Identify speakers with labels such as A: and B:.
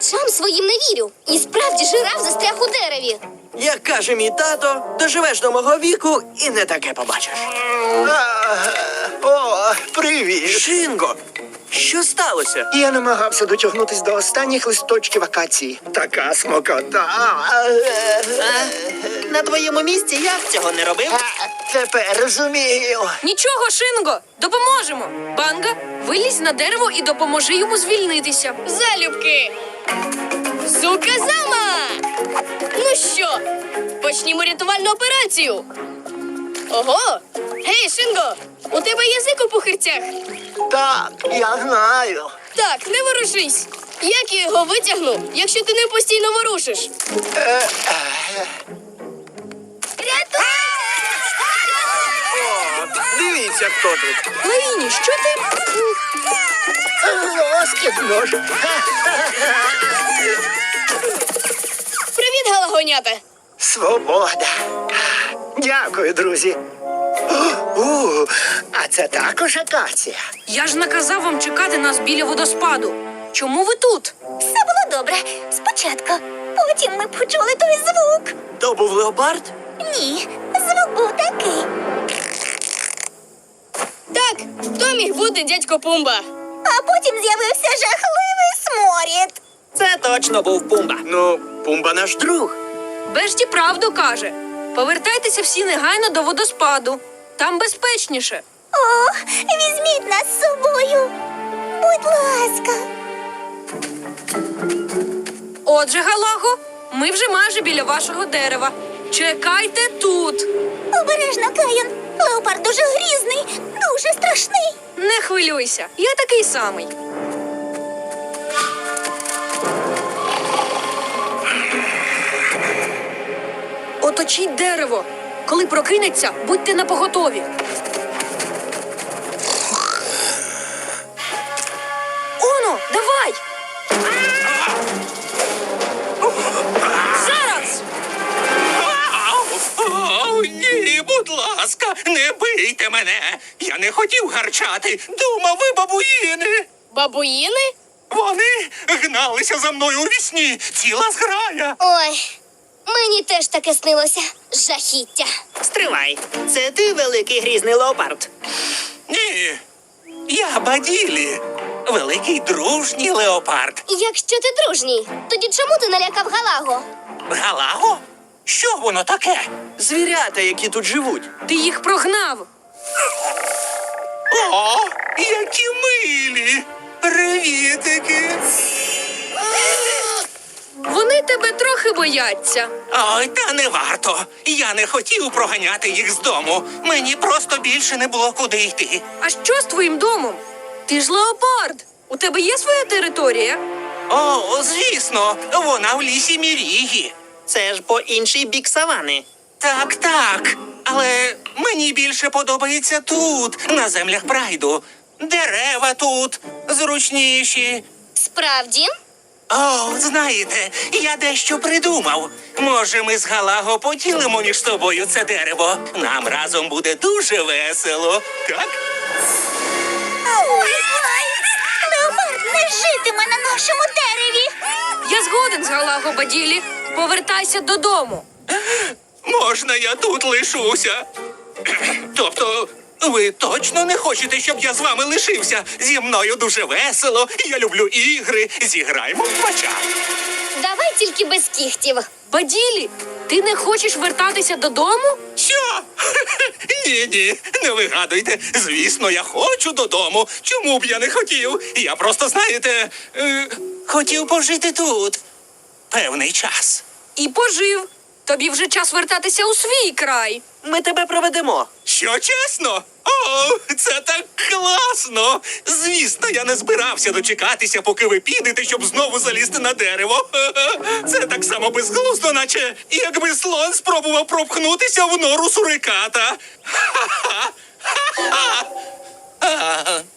A: очам своїм не вірю. І справді жираф застряг у дереві.
B: Як каже мій тато, доживеш до мого віку і не таке побачиш.
C: О, привіт!
B: Шинго, що сталося?
C: Я намагався дотягнутись до останніх листочків акації. Така смокота.
D: На твоєму місці я б цього не робив.
C: Тепер розумію.
E: Нічого, Шинго, допоможемо. Банга, вилізь на дерево і допоможи йому звільнитися.
A: Залюбки! Суказама! Ну що, почнімо рятувальну операцію. Ого! Гей, Шинго! У тебе язик у пухирцях?
C: Так, я знаю.
A: Так, не ворушись. Як я його витягну, якщо ти не постійно ворушиш?
B: Дивіться, хто тут.
E: Лаїні, що ти?
C: Лоскітно ж.
A: Привіт, галагонята!
C: Свобода. Дякую, друзі. А це також акація.
E: Я ж наказав вам чекати нас біля водоспаду. Чому ви тут?
F: Все було добре. Спочатку. Потім ми почули той звук.
B: То був леопард?
F: Ні, звук був такий.
A: Так, хто міг бути дядько Пумба?
F: А потім з'явився жахливий сморід.
D: Це точно був Пумба.
B: Ну, Пумба наш друг.
E: Бешті правду каже. Повертайтеся всі негайно до водоспаду. Там безпечніше.
F: О, візьміть нас з собою. Будь ласка.
E: Отже, Галаго, ми вже майже біля вашого дерева. Чекайте тут.
F: Обережно, Кайон. Леопард дуже грізний, дуже страшний.
E: Не хвилюйся, я такий самий. Оточіть дерево. Коли прокинеться, будьте напоготові. Оно, давай! Зараз!
G: О, ні, будь ласка, не бийте мене. Я не хотів гарчати. Думав, ви бабуїни.
A: Бабуїни?
G: Вони гналися за мною у вісні. Ціла зграя.
A: Ой, мені теж таке снилося. Жахіття.
D: Стривай. Це ти великий грізний леопард.
G: Ні, я Баділі. Великий дружній леопард.
A: Якщо ти дружній, тоді чому ти налякав Галаго?
G: Галаго? Що воно таке?
B: Звірята, які тут живуть.
E: Ти їх прогнав.
G: О, які милі! Привітики!
E: Вони тебе трохи бояться.
G: Ой, та не варто. Я не хотів проганяти їх з дому. Мені просто більше не було куди йти.
E: А що з твоїм домом? Ти ж леопард. У тебе є своя територія?
G: О, звісно, вона в лісі Мірігі.
D: Це ж по інший бік савани.
G: Так, так. Але мені більше подобається тут, на землях прайду. Дерева тут зручніші.
A: Справді?
G: О, знаєте, я дещо придумав. Може, ми з Галаго поділимо між собою це дерево? Нам разом буде дуже весело, так?
F: Ой, леопард не житиме на нашому дереві.
E: Я згоден з Галаго, Баділі. Повертайся додому.
G: Можна я тут лишуся? Тобто, ви точно не хочете, щоб я з вами лишився? Зі мною дуже весело, я люблю ігри, зіграємо в мача.
A: Давай тільки без кіхтів.
E: Баділі, ти не хочеш вертатися додому?
G: Що? Ні, не вигадуйте. Звісно, я хочу додому. Чому б я не хотів? Я просто, знаєте, хотів пожити тут певний час.
E: І пожив. Тобі вже час вертатися у свій край.
B: Ми тебе проведемо.
G: Що, чесно? О, це так класно! Звісно, я не збирався дочекатися, поки ви підете, щоб знову залізти на дерево. Це так само безглуздо, наче якби слон спробував пропхнутися в нору суриката. Ха-ха! Ха-ха!